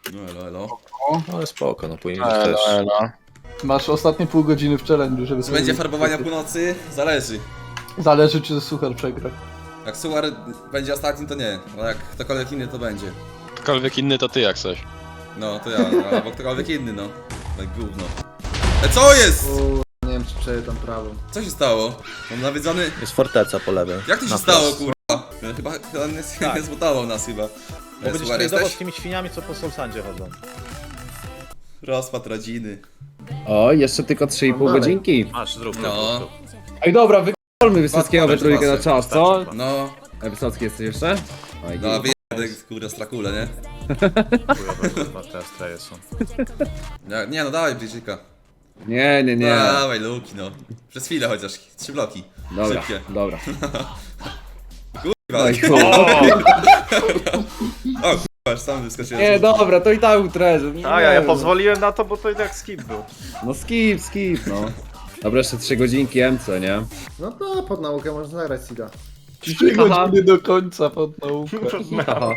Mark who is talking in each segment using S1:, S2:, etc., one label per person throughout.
S1: No elo, elo.
S2: Ale spoko, no później też.
S3: Masz ostatnie pół godziny w challenge'u, żeby
S1: Czy będzie farbowania północy? Zależy.
S3: Zależy, czy Suchar przegra.
S1: Jak Suar będzie ostatnim, to nie. A jak ktokolwiek inny, to będzie.
S2: Ktokolwiek inny to ty jak coś.
S1: No, to ja, albo ktokolwiek inny, no. Tak gówno. Co jest?
S4: Nie wiem, czy przejedę prawą.
S1: Co się stało? Mam nawiedzony...
S5: Jest forteca po lewej.
S1: Jak to się
S5: Na
S1: stało,
S5: wprost.
S1: kurwa? Chyba nie zbudował nas chyba.
S5: Bo będziesz
S1: Suar,
S5: tradował
S1: jesteś?
S5: z tymi świniami, co po Solsandzie chodzą.
S1: Rozpad rodziny.
S6: O, jeszcze tylko 3,5
S4: Dalej.
S6: godzinki.
S5: Masz, zrób to.
S1: No.
S6: Ej, dobra, wykolmy Wysockiego we
S1: Patrz,
S6: trójkę na
S1: patrz,
S6: czas, co?
S1: No,
S6: Wysocki jesteś jeszcze? Oj,
S1: no wyjadę, kurwa, strakule, nie?
S5: Te straje są.
S1: Nie no, dawaj Bridżyka.
S6: nie, nie, nie.
S1: Dawaj, Luki, no. Przez chwilę chociaż, 3 bloki.
S6: Dobra,
S1: Szybkie.
S6: dobra.
S1: Kurwa,
S6: Oj, kurwa.
S1: o kurwa, aż sam wyskoczyłem.
S6: Nie, dobra, to i tak utreżę.
S7: A ja pozwoliłem na to, bo to i tak skip był.
S6: No skip, no. Dobra, jeszcze 3 godzinki MC, nie?
S4: No to pod naukę można zagrać Sida.
S3: 3 godziny do końca pod naukę.
S6: Aha.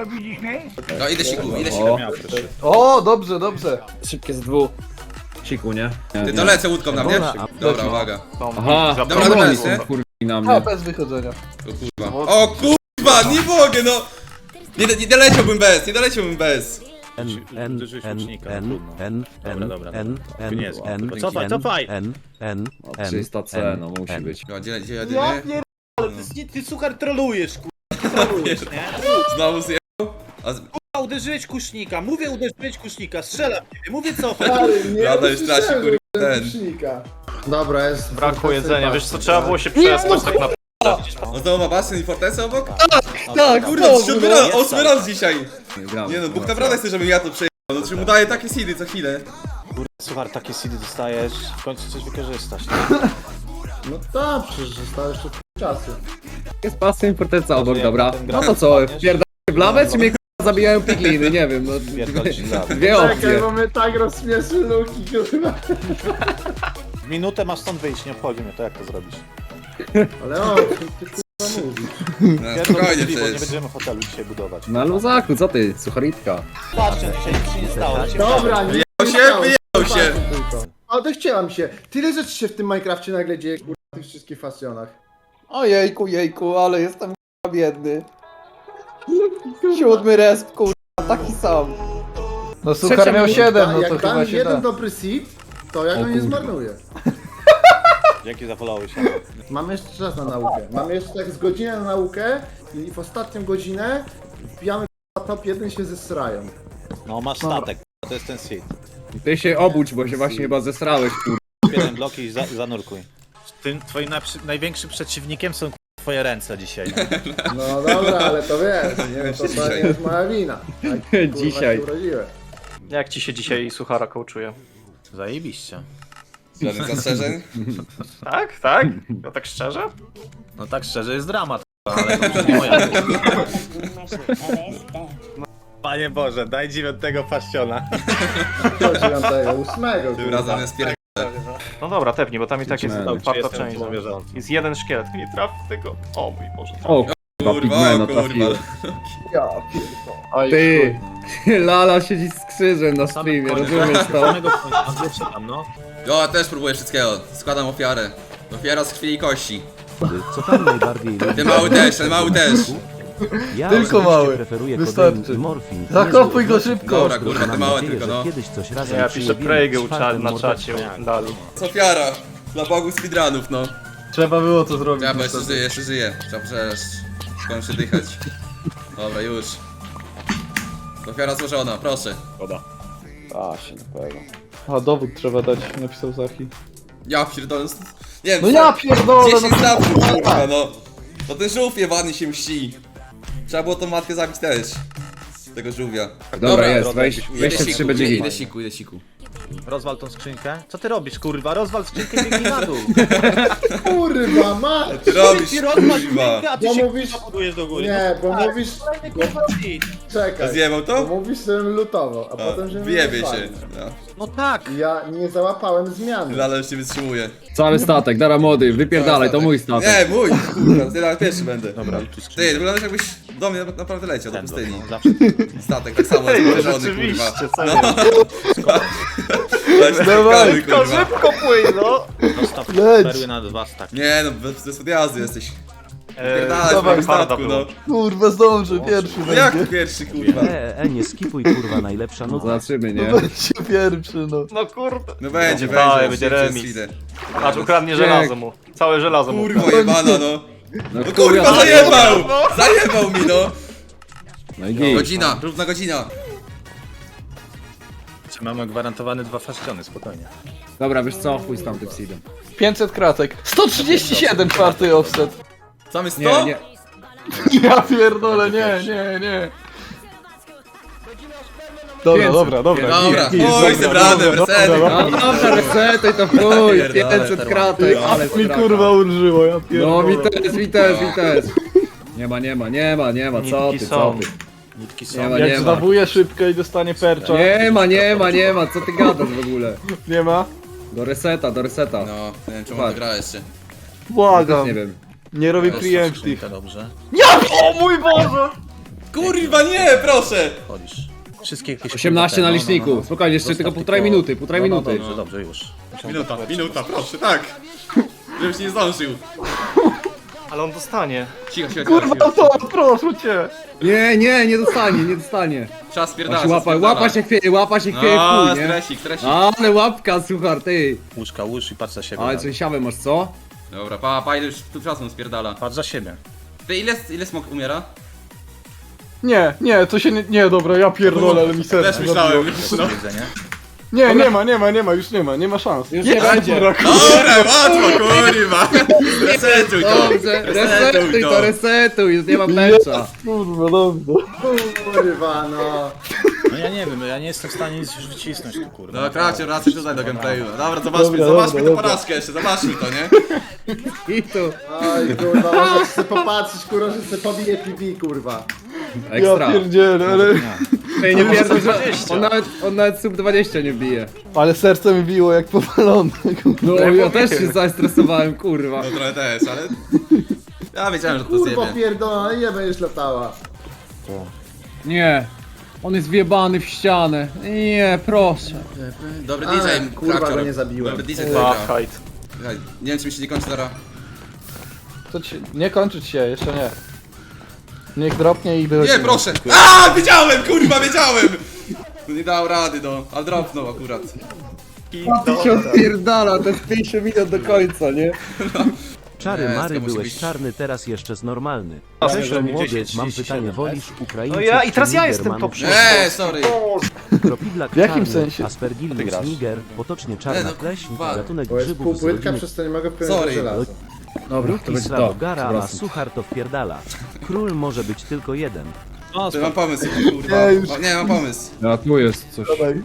S1: No idę siku, idę
S6: O.
S1: siku.
S5: Miał proszę.
S3: O, dobrze, dobrze.
S6: Szybkie z dwóch. Siku, nie? Nie,
S1: Ty
S6: nie.
S1: to lecę łódką na mnie? Dobra, uwaga.
S6: Aha,
S1: Dobra,
S6: to
S1: dobra,
S6: oni
S1: jest, nie?
S6: są kurwi na
S3: A,
S6: mnie.
S3: bez wychodzenia.
S1: O kurwa. O kurwa, nie mogę, no! Nie doleciałbym bez.
S5: Uderzyłeś łucznika, no trudno. Dobra. To nie jest. Cofaj!
S6: O, 300C, no musi być.
S1: No, gdzie
S5: Ja
S1: jedyny?
S5: pier... Ale ty suchar trolujesz, kurwa. Trolujesz, nie?
S1: Znowu zjechał? A
S5: Kurwa, uderzyłeś kusznika, mówię uderzyłeś kusznika, strzelam w ciebie, mówię cofaj.
S1: Lada już traci, kurwa, ten.
S4: Dobra, jest...
S7: Brakło jedzenia, wiesz co, trzeba było się przespać tak naprawdę.
S1: No to ma basen i fortecę obok?
S6: Tak,
S1: Kurde, to 8 raz dzisiaj.
S6: Gramy.
S1: Nie no, Bóg naprawdę chce, żebym ja to przejechał. No czy mu daje takie seedy co chwilę.
S5: Suchar, takie seedy dostajesz, w końcu coś wykorzystasz.
S4: No tak, przecież zostało jeszcze czasu.
S6: Jest pasem forteca obok,
S5: jak
S6: dobra.
S5: na ten gra
S6: No to co,
S5: wpadniesz?
S6: wpierdamy w lawę, czy mnie k***a zabijają pigliny? Nie wiem, no.
S5: Pierdolisz w lawę.
S6: Dwie opcje.
S4: bo my tak rozśmieszy Luki, kurwa.
S5: W minutę masz stąd wyjść, nie obchodzi mnie to, jak to zrobisz.
S4: Ale o, ty kurwa mówisz.
S1: No, spokojnie
S5: Drzwi, bo nie
S1: przecież.
S5: będziemy hotelu dzisiaj budować.
S6: Na luzaku, co ty, sucharitka?
S5: Patrzcie, dzisiaj nic się nie stało.
S4: Dobra, nie
S1: Wyjechał się.
S4: Ale to chciałam się. Tyle rzeczy się w tym Minecrafcie nagle dzieje, kurwa, w tych wszystkich fasjonach.
S3: Ojejku, jejku, ale jestem k***a biedny. 7 resp, kurwa, taki sam. No Suchar miał 7, no to
S4: Jak dam
S3: chyba się
S4: jeden
S3: da.
S4: dobry seed, to ja go nie zmarnuję.
S5: Dzięki za followy się.
S4: Mamy jeszcze czas na naukę. Mamy jeszcze tak z godzinę na naukę i w ostatnią godzinę wbijamy k***a, top 1 się zesrają.
S5: No masz statek, to jest ten seed.
S6: Ty się obudź, bo się właśnie chyba zesrałeś, kur...
S5: Jeden blok i zanurkuj. Tym twoim największym przeciwnikiem są twoje ręce dzisiaj.
S4: No dobra, ale to wiesz, nie, to nie jest moja wina. Tak, kurwa,
S6: Dzisiaj.
S4: się urodziłem.
S7: Jak ci się dzisiaj Suchara kołczuje?
S5: Zajebiście.
S1: Żadnych zastrzeżeń?
S7: Tak? Tak? No tak szczerze?
S5: No tak szczerze jest dramat, ale to już nie moja. Panie Boże, daj 9 paściona.
S4: Do 9, 8.
S1: Tym razem jest pier...
S7: No dobra, pewnie, bo tam i tak jest
S6: Pigmeny.
S7: czwarta część. Jest jeden szkielet, nie trafi tego. O mój Boże.
S6: O, kurwa,
S1: Kurwa,
S6: pigmena
S1: o kurwa.
S6: trafiłem.
S4: Ja pierdolę.
S3: Oj,
S6: Ty, Lala siedzi z krzyżem na streamie, rozumiesz to?
S5: No.
S1: Jo, ja też próbuję wszystkiego. Składam ofiarę. Ofiara z krwi i kości.
S8: Co pan najbardziej lubi?
S1: Ten mały też.
S8: Ja
S3: Tylko
S8: osobiście
S3: mały.
S8: preferuję
S3: Wystarczy.
S8: kodein i morfin.
S3: Zakopuj go szybko.
S1: Dobra, kurwa, te
S8: Mam
S1: małe
S8: nadzieję,
S1: tylko,
S8: że
S1: no.
S8: kiedyś coś razem
S7: Ja piszę
S8: przyjebimy
S7: Prejgę
S8: z czwartym
S7: na czacie
S8: mordeczkiem.
S7: Dalu.
S1: Ofiara. Dla Bogu speedrunów, no.
S3: Trzeba było to zrobić.
S1: Ja bo jeszcze żyję. Trzeba przecież skończyć dychać. Dobra, już. Ofiara złożona, proszę.
S6: A, się na pewno.
S3: A dowód trzeba dać, napisał Zachi.
S1: Ja pierdolę. Nie wiem,
S3: No ja pierdolę,
S1: 10
S3: no
S1: lat, kurwa, no. To ten żółw jebany się mści. Trzeba było tą matkę zabić też. Tego żółwia.
S6: Dobra, jest, weź
S1: Idę
S6: jeszcze
S1: siku,
S6: 3 będzie git.
S1: idę siku.
S5: Rozwal tą skrzynkę. Co ty robisz, kurwa? Rozwal skrzynkę i biegnij na dół.
S4: Kurwa, mać!
S1: Ty robisz,
S5: Ty rozwal
S1: kurwa.
S5: skrzynkę, a ty
S4: Bo
S5: się
S4: mówisz-
S5: kurwa budujesz do góry.
S4: Nie, bo
S5: tak,
S4: mówisz...
S5: kolejny kurwa seed.
S4: Czekaj.
S1: Zjebał
S4: Bo
S1: to?
S4: mówisz, żebym lutował, a potem, żebym
S1: Wyjebie się.
S4: rozwalił.
S1: No.
S5: No tak.
S4: Ja nie załapałem zmiany.
S1: Ale już nie wytrzymuje.
S6: Cały statek, dara mody, wypierdalaj, to mój statek.
S1: Nie, mój, kurwa, ty nawet pierwszy będę.
S5: Dobra,
S1: Ty, wyglądasz jakbyś Do mnie naprawdę leciał, do
S5: Ten
S1: pustyni.
S5: blok, no, zawsze.
S1: Statek tak samo jest
S7: Ej,
S1: położony, kurwa.
S7: rzeczywiście, serio.
S1: Leci
S3: Dawaj,
S1: kawy,
S7: To
S1: kurwa.
S7: szybko płyń, no!
S5: Zostaw
S3: Leć.
S5: perły na 2 staki.
S1: Nie no, bez odjazdu jesteś.
S7: Eee,
S1: Pierdalać
S7: dawaj,
S1: w
S7: harda
S1: statku, no.
S7: było.
S3: Kurwa, zdąży, pierwszy
S1: No
S3: będzie.
S1: jak pierwszy, kurwa?
S8: nie skipuj kurwa, najlepsza nuta.
S6: Zobaczymy, nie?
S3: Będzie pierwszy, no.
S7: No kurde.
S1: No będzie,
S7: Dawaj,
S1: będzie.
S7: będzie
S1: przez
S7: remis.
S1: chwilę.
S7: Patrz, ukradnie żelazo mu. Całe żelazo mu.
S1: Kurwa jebana, no.
S6: No
S1: No kurwa, zajebał! Zajebał mi, no.
S6: No i git.
S1: Godzina, równa godzina.
S5: Mamy gwarantowane 2 fasciony, spokojnie.
S6: Dobra, wiesz co? Chuj z tamtym seedem.
S3: 500 kratek. 137 czwarty offset.
S1: Sam jest
S6: Nie,
S1: 100?
S6: nie.
S3: Ja pierdolę, nie. Dobra,
S6: 500.
S3: dobra.
S1: Dobra,
S3: Git,
S1: chuj, zebrane, resety.
S6: No dobra, resetuj to chuj.
S1: Pierdolę,
S6: 500 kratek, ale
S3: Mi
S6: strata.
S3: kurwa ulżyło, ja
S6: No
S3: pierdolę.
S6: mi też. Nie ma, co ty,
S7: Nitki
S6: co
S7: są.
S6: ty.
S5: Nitki
S6: Nie
S5: są.
S6: ma,
S3: Jak
S6: nie ma.
S3: zdawuje szybkę i dostanie percza.
S6: Nie ma, co ty gadasz w ogóle?
S3: Nie ma?
S6: Do reseta.
S1: No, nie wiem czemu to gra jeszcze.
S3: Błagam.
S6: Nie wiem.
S3: Nie robię
S5: Jest
S3: preemptive.
S5: skrzynka, dobrze.
S3: O mój Boże!
S1: Kurwa nie, proszę!
S5: Chodzisz. Wszystkie jakieś...
S6: 18 na
S5: no,
S6: liczniku. Spokojnie, jeszcze tylko półtorej minuty, minuty.
S5: Dobrze, już.
S1: Minuta, proszę, tak. Żebyś nie zdążył.
S7: Ale on dostanie.
S1: Cicho.
S3: Kurwa to, proszę cię!
S6: Nie dostanie.
S1: Czas spierdala,
S6: Łapa się chwieje,
S1: No,
S6: chuj, nie?
S1: stresik.
S6: Ale łapka, słuchaj, ty.
S5: Łóżka, łóż i patrz za siebie.
S6: Ale
S5: dalej.
S6: coś siawę masz, co?
S1: Dobra, pa, ile już tu czasu spierdala.
S5: Patrz za siebie.
S1: Ty ile smok umiera?
S3: Nie, to się nie, dobra, ja pierdolę, ale mi serce
S1: Też myślałem.
S3: zabiło.
S1: No.
S5: Jedzenie.
S3: Nie ma szans.
S6: Już nie będzie.
S3: Dobra,
S1: Dobra, łatwo, kurwa. Resetuj to.
S6: Dobrze, resetuj, już nie ma mecza.
S3: kurwa, dobrze.
S4: Kurwa, no.
S5: No ja nie wiem, ja nie jestem w stanie nic już wycisnąć, tu, kurwa.
S1: No, kracie, wracaj tutaj do gameplayu. Dobra, zobaczmy
S3: Dobra,
S1: tę
S3: dobra.
S1: porażkę jeszcze, zobaczmy to, nie?
S6: I tu.
S4: Oj, kurwa, może chcę popatrzeć, kurwa, że sobie pobije PV, kurwa.
S3: Ja
S6: Ekstra.
S3: pierdzielę, ale...
S6: Ej, nie pierdol, że on nawet sub 20 nie bije.
S3: Ale serce mi biło jak powalone.
S6: No ja też się zestresowałem, kurwa.
S1: No trochę też, ale... Ja wiedziałem, że to
S4: Kurwa,
S1: zjebie.
S4: pierdolona, nie będziesz latała.
S6: Nie. On jest wjebany w ścianę. Nie, proszę.
S1: Dobry
S4: Ale,
S1: DJ,
S4: kurwa,
S1: Krakcior.
S4: go nie zabiłem.
S1: Dobry DJ, dobra.
S7: Fight.
S1: Słuchaj, nie wiem, czy mi się nie kończy zaraz.
S3: To ci... Nie kończyć się, jeszcze nie. Niech dropnie i wychodzi.
S1: Nie, proszę! A, wiedziałem, kurwa, wiedziałem! No nie dał rady, no, ale dropnął akurat.
S6: Ty się odpierdala, to jest 50 minut do końca, nie?
S8: Czary
S1: Nie,
S8: Mary,
S1: to musi
S8: byłeś
S1: być-
S8: czarny, teraz jeszcze normalny.
S7: A,
S8: Cześć
S7: że
S8: młody,
S5: 10,
S8: mam
S5: 37,
S8: pytanie, wolisz Ukraińców
S7: No ja i
S8: czy
S7: teraz ja jestem
S8: Nigermanów?
S7: top
S1: Nie, sorry.
S8: Kropidlak
S3: W jakim
S8: czarny,
S3: sensie?
S8: Aspergillus niger, potocznie czarna
S1: Nie, no,
S8: pleśń,
S1: kurwa.
S8: gatunek
S4: Bo jest
S8: grzybów z
S4: półpłytka,
S8: rodziny
S4: przez to nie mogę wpłynąć
S1: Sorry.
S4: do żelaza.
S6: Dobra, to
S8: Ruki
S6: będzie to.
S8: Slawogara, a
S6: Przepraszam.
S8: suchar to wpierdala. Król może być tylko jeden.
S1: Ty, mam pomysł, kurwa.
S3: Nie, już.
S1: Nie, mam pomysł.
S6: A tu jest coś.
S3: Dawaj.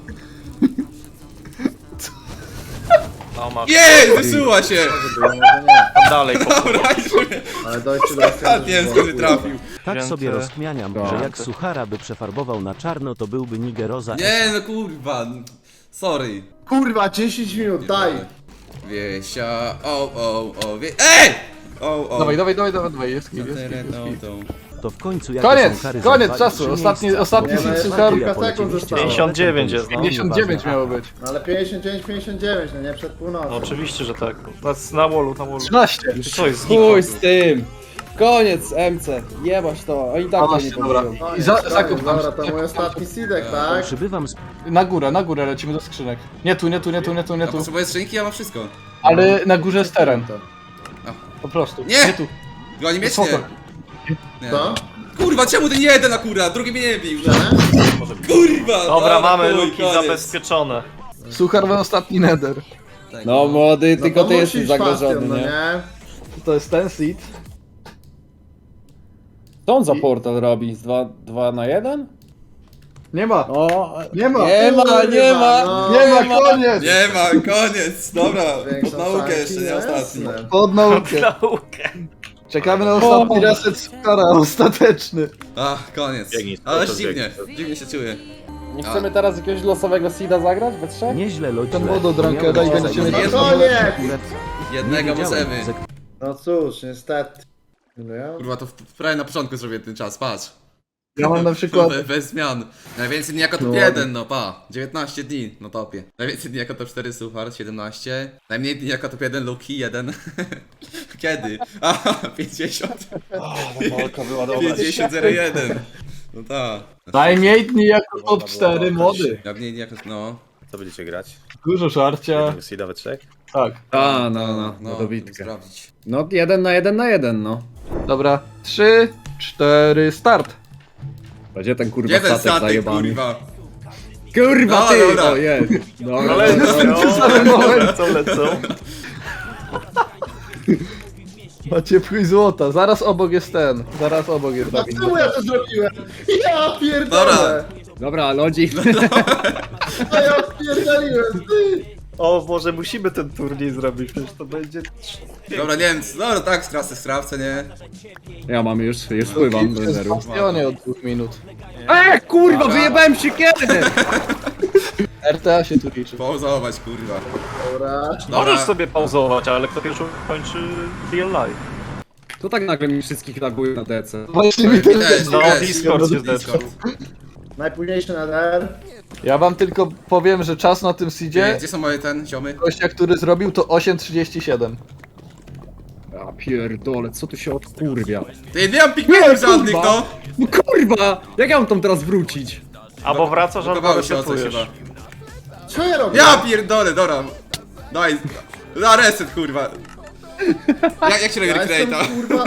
S7: No ma.
S1: Jej, wysuła się!
S4: Może nie,
S7: Tam dalej.
S1: Dobra, idźmy.
S4: ale dojście do
S1: Nie wiem, skąd nie trafił.
S8: Tak
S7: Wzięty.
S8: sobie rozkmianiam,
S6: Tak.
S8: że jak suchara by przefarbował na czarno, to byłby nigeroza.
S1: Nie, no kurwa. Sorry.
S4: Kurwa, 10 minut, daj!
S1: Wiesia, Ej!
S3: Dawaj, jest kill, jest kill.
S8: To w końcu jakie
S3: Koniec,
S8: są kary
S3: koniec
S8: za
S3: czasu,
S8: dwa i trzy
S3: ostatni
S4: Nie, no
S3: seed
S4: jest
S3: suchar.
S4: kilka sekund zostało.
S7: 59 jest, no.
S3: 59 miało być.
S4: No ale 59, no nie przed północą.
S7: No oczywiście, że tak. Na wallu.
S3: 13.
S7: Co jest
S6: Chuj z tym. Koniec, MC. Jebać to. Oni tak to nie
S3: Dobra.
S6: powiedział.
S3: I zakup tam.
S4: Dobra, to mój ostatni seedek, tak?
S8: Przybywam z
S3: Na górę lecimy do skrzynek. Nie tu.
S1: Ja potrzebuję skrzynki, ja mam wszystko.
S3: Ale na górze jest teren.
S4: To.
S3: Po prostu.
S1: Nie!
S3: Nie tu.
S1: Goni mnie, czy
S3: Spoko.
S1: nie? Nie.
S4: Co?
S1: Kurwa, czemu ten jeden akurat? Drugi mnie nie bił.
S4: Źle?
S1: Kurwa!
S7: Dobra, mamy
S1: chuj,
S7: luki
S1: koniec.
S7: zabezpieczone.
S3: Suchar ma ostatni nether.
S1: Tak,
S6: No młody,
S4: No
S6: tylko
S4: to
S6: ty jesteś
S4: musisz
S6: zagrożony,
S4: bastion, no
S6: nie?
S4: nie?
S3: To jest ten seed.
S6: Co on za portal robi? Z 2 na 1?
S3: Nie ma.
S6: O,
S3: Nie ma.
S6: nie ma, nie ma.
S4: No.
S3: Nie ma, koniec.
S1: Nie ma, koniec, dobra.
S4: Większą
S1: Naukę
S4: szankę,
S1: jeszcze, nie ostatni.
S4: jasne.
S3: Pod naukę.
S7: Naukę.
S3: Czekamy na ostatni reset Suchara, ostateczny.
S1: Ach, koniec.
S5: Biegnij,
S1: Ale
S5: to
S1: dziwnie, dziwnie się czuję.
S6: Nie chcemy teraz jakiegoś losowego seeda zagrać we trzech?
S8: nieźle lodzie.
S3: Ten wododrankę daj, będziecie mieć...
S1: Jest
S4: No koniec!
S1: Jednego możemy.
S4: No cóż, niestety. No ja...
S1: Kurwa, to prawie na początku zrobię ten czas, patrz.
S3: Ja mam na przykład...
S1: Bez zmian. Najwięcej dni jako top 1, no pa. 19 dni, no topie. Najwięcej dni jako top 4 Suchar, 17. Najmniej dni jako top 1 Luki, 1. Kiedy? A, 50.
S2: Walka była dobra.
S1: 50-01. No tak.
S3: Najmniej dni jako top 4 młody.
S1: Najmniej dni jako, no.
S5: Co będziecie grać?
S3: Dużo żarcia.
S5: Seeda we trzech?
S3: Tak.
S6: A, no,
S1: No,
S6: dobitkę.
S1: sprawdzić.
S6: No, 1 na 1 na 1, no.
S3: Dobra. 3, 4, start.
S6: Będzie ten kurwa
S1: Jeden
S6: statek
S1: statek,
S6: zajebany.
S1: kurwa.
S6: Kurwa
S1: No,
S6: ty!
S1: dobra.
S6: O jest. Dobra,
S7: Lecą.
S3: Macie pchój złota. Zaraz obok jest ten. Zaraz obok jest
S4: A
S3: Dawid.
S4: czemu ja to zrobiłem? Ja
S1: Dobra.
S4: pierdolę!
S6: Dobra, lodzik.
S4: A ja pierdoliłem, ty!
S7: O, może musimy ten turniej zrobić, przecież to będzie...
S1: Dobra, nie wiem, dobra, tak, strawce, nie?
S6: Ja mam już wpływam do
S3: Jest
S6: zeru.
S3: w bastionie od 2 minut.
S6: Kurwa,
S1: Dobra.
S6: wyjebałem się kiedy!
S3: RTA się tu liczy.
S1: Pauzować, kurwa.
S4: Dobra.
S7: Możesz sobie pauzować, ale kto pierwszy kończy real life?
S6: To tak nagle mi wszystkich laguje na DC.
S3: Właśnie mi też.
S7: No,
S1: Widać,
S7: Discord się
S1: Discord.
S4: Najpóźniejszy NR.
S3: Ja wam tylko powiem, że czas na tym seedzie,
S1: Gdzie są moje ziomy?
S3: gościa, który zrobił to 8.37.
S6: Ja pierdolę, co tu się odkurwia?
S1: Ty, nie mam pigmentów żadnych,
S6: kurwa.
S1: no!
S6: No kurwa! Jak ja mam tam teraz wrócić?
S7: Albo wracasz, albo
S1: Blokowały się o coś
S7: resetujesz.
S1: chyba.
S4: Co ja robię?
S1: Ja pierdolę, dobra. Daj. Na reset, kurwa. Jak się robi
S4: Ja jestem,
S1: recreate'a?
S4: kurwa,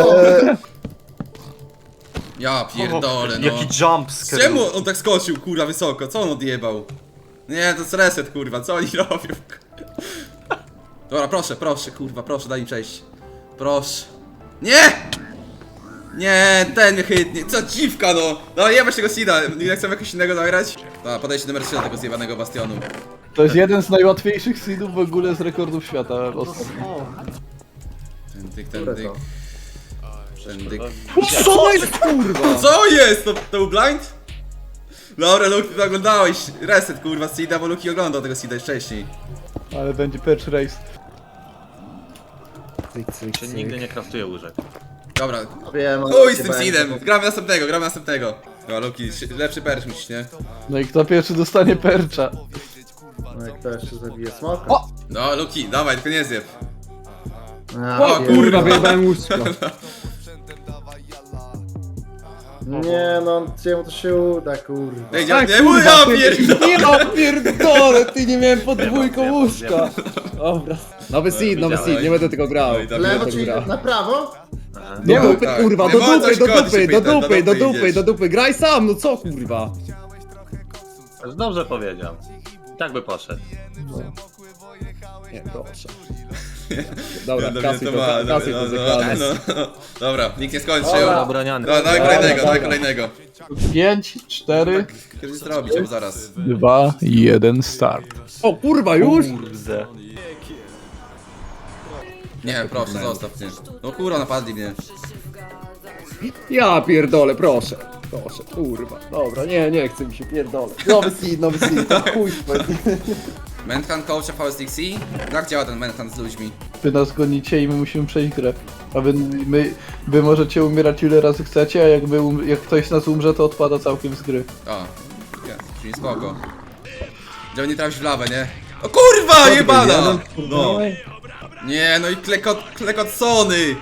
S1: Ja pierdolę, no.
S7: Jaki jump scare.
S1: Czemu on tak skoczył, kurwa, wysoko? Co on odjebał? Nie, to jest reset, kurwa, co oni robią? Dobra, proszę, kurwa, proszę, daj mi przejść. Proszę. Nie! Nie, ten mnie chytnie. Co dziwka, no! No, jebać tego Sida. Nie chcę jakoś innego zagrać? Dobra, podejście numer 3 do tego zjebanego bastionu.
S3: To jest jeden z najłatwiejszych seedów w ogóle z rekordów świata. Ostatnio.
S1: Ten dyk.
S6: Co jest kurwa?
S1: Co jest? To był blind? Dobra, Luki, to oglądałeś. Reset, kurwa, Sida, bo Luki oglądał tego Sida już wcześniej.
S3: Ale będzie patch race.
S5: Czy nigdy nie kraftuję łóżek.
S1: Dobra,
S4: Wiem, ale
S1: chuj z
S4: nie
S1: tym
S4: będzie.
S1: Sidem. Gramy następnego. Dobra, Luki, lepszy percz musisz, nie?
S3: No i kto pierwszy dostanie percza?
S4: No jak to jeszcze zabije smoka?
S3: O!
S1: No, Luki, dawaj, tylko nie zjeb.
S4: A,
S1: O,
S4: wiem.
S6: Kurwa, wyjebałem łóżko.
S4: Nie no, czemu to się uda, kurwa.
S1: Ej,
S6: Tak,
S1: nie mój, ja pierdolę!
S6: Ja pierdolę, ty nie miałem podwójką łóżka. Dobra. Nowy seed, nie będę tego grał.
S1: Oj, dobra.
S4: Lewo
S6: tak
S4: czyli
S6: gra.
S4: na prawo?
S6: Do
S1: No,
S6: dupy,
S1: tak.
S6: kurwa,
S1: Nie
S6: do
S1: wolno
S6: dupy, do
S1: szkodzić,
S6: dupy, do
S1: Peter,
S6: dupy, do dupy,
S1: idziesz.
S6: do dupy. Graj sam, no co kurwa?
S5: Dobrze powiedział. Tak by poszedł.
S6: Nie, proszę. Dobra,
S1: Dobrze,
S6: kasuj to, kasuj to zakładam.
S1: no. Dobra, nikt nie skończył.
S5: Obroniany.
S1: Dawaj kolejnego, dawaj kolejnego.
S3: 5, 4,
S1: Kiedy zrobić, albo zaraz.
S3: 2, 1, start.
S6: O kurwa, już?
S7: Kurde.
S1: Nie, proszę, zostaw mnie. No kurwa, napadli mnie.
S6: Ja pierdolę, proszę. Proszę, kurwa. Dobra, nie chcę mi się pierdolę. Nowy seed, to chuj.
S1: Manhunt coacha VSDC? Jak działa ten Manhunt z ludźmi?
S3: Wy nas gonicie i my musimy przejść grę. A wy możecie umierać ile razy chcecie, a jak ktoś z nas umrze, to odpada całkiem z gry.
S1: O, czyli spoko. Żeby nie trafić w lawę, nie? O kurwa, jebana! No. Nie, no i klekotsony!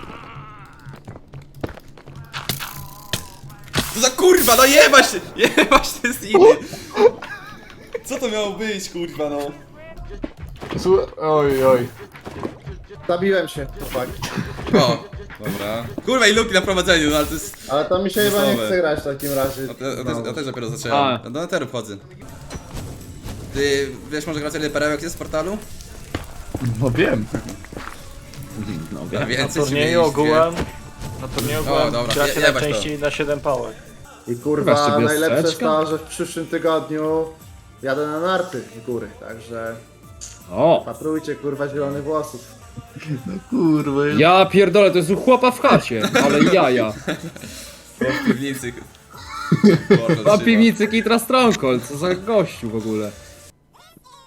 S1: Co za kurwa, no jebać te ziny! Co to miało być, kurwa, no?
S3: Oj.
S4: Zabiłem się, chłopak.
S1: O, dobra. Kurwa i Luki na prowadzeniu, no ale to jest...
S4: Ale to mi się chyba nie
S1: Losowe.
S4: chce grać w takim razie.
S1: Ja też dopiero zacząłem.
S6: A.
S1: Do Netheru wchodzę. Ty wiesz może grać ile perełek jest w portalu?
S3: No wiem.
S1: Ja
S7: Na
S1: więcej
S7: turnieju ogółem... Na turnieju
S1: O,
S7: ogółem
S1: dobra,
S7: gracie
S1: jebać to.
S7: najczęściej na 7 pałek.
S4: I kurwa,
S6: Weźcie
S4: najlepsze jest
S6: wioseczkę.
S4: to, że w przyszłym tygodniu jadę na narty w góry, także
S6: O!
S4: patrujcie kurwa zielonych włosów.
S3: Kurwa.
S6: Ja pierdolę, to jest u chłopa w chacie, ale jaja.
S1: w piwnicy.
S6: Ma piwnicy Kitra Stronghold, co za gościu w ogóle.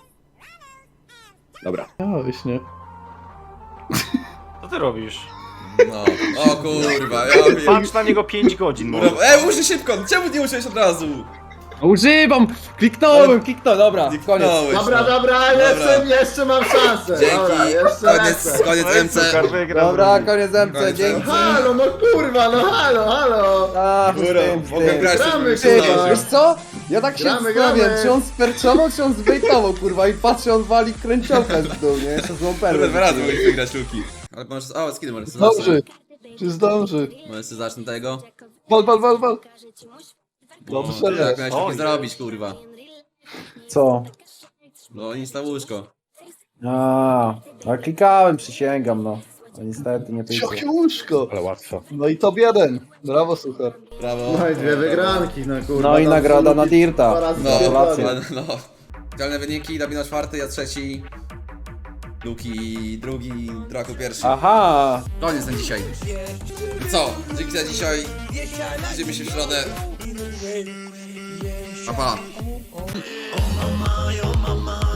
S6: Dobra.
S3: Miałeś, nie?
S7: Co ty robisz?
S1: No, o kurwa, ja wiem.
S7: Patrz na niego 5 godzin może.
S1: Użyj szybko, czemu nie użyłeś od razu?
S6: Używam! Kliknąłem, dobra, koniec.
S1: Kliknąłeś,
S4: Dobra,
S1: no.
S4: dobra, jeszcze mam szansę. Dobra,
S1: Dzięki,
S4: jeszcze lecę.
S1: koniec
S7: No i
S1: MC.
S7: Suchar wygrał.
S3: Dobra, koniec MC,
S1: Koniec
S3: dzięki.
S1: MC.
S4: Halo, no kurwa, no halo.
S3: Ach,
S1: Kurwa, mogłem grać
S4: Gramy,
S3: Ty,
S4: kurwa.
S3: wiesz co? Ja tak się
S4: Gramy,
S3: zastanawiam,
S4: gramy.
S3: czy on sperczował, czy on zbejtował, kurwa, i patrzę, on wali kręciołkę z dół, nie? Jeszcze złą
S1: Kurwa,
S3: perłę.
S1: dwa razy mogli wygrać Luki. Ale możesz, o, skiny możesz
S3: Zdąży. Czy zdąży?
S1: Możesz sobie zacznę tego.
S3: Wal.
S1: Dobrze,
S3: Dobrze,
S1: jak miałeś
S7: Oj.
S1: takie zrobić, kurwa.
S3: Co?
S1: No nic na łóżko.
S3: A klikałem, przysięgam, no. No niestety nie wyjdzie.
S2: Jakie łóżko.
S5: Ale łatwo.
S2: No i top 1. Brawo, Suchar.
S1: Brawo.
S4: No i dwie wygranki, no kurwa.
S3: No i nagroda na
S4: Dwa
S3: Dirta.
S4: razy
S1: No,
S3: Gratulacje.
S1: no. Idealne wyniki, Dabino czwarty, ja trzeci. Luki drugi, Draku pierwszy.
S3: Aha!
S1: Koniec na dzisiaj. I co? Dzięki za dzisiaj. Widzimy się w środę. Pa, pa.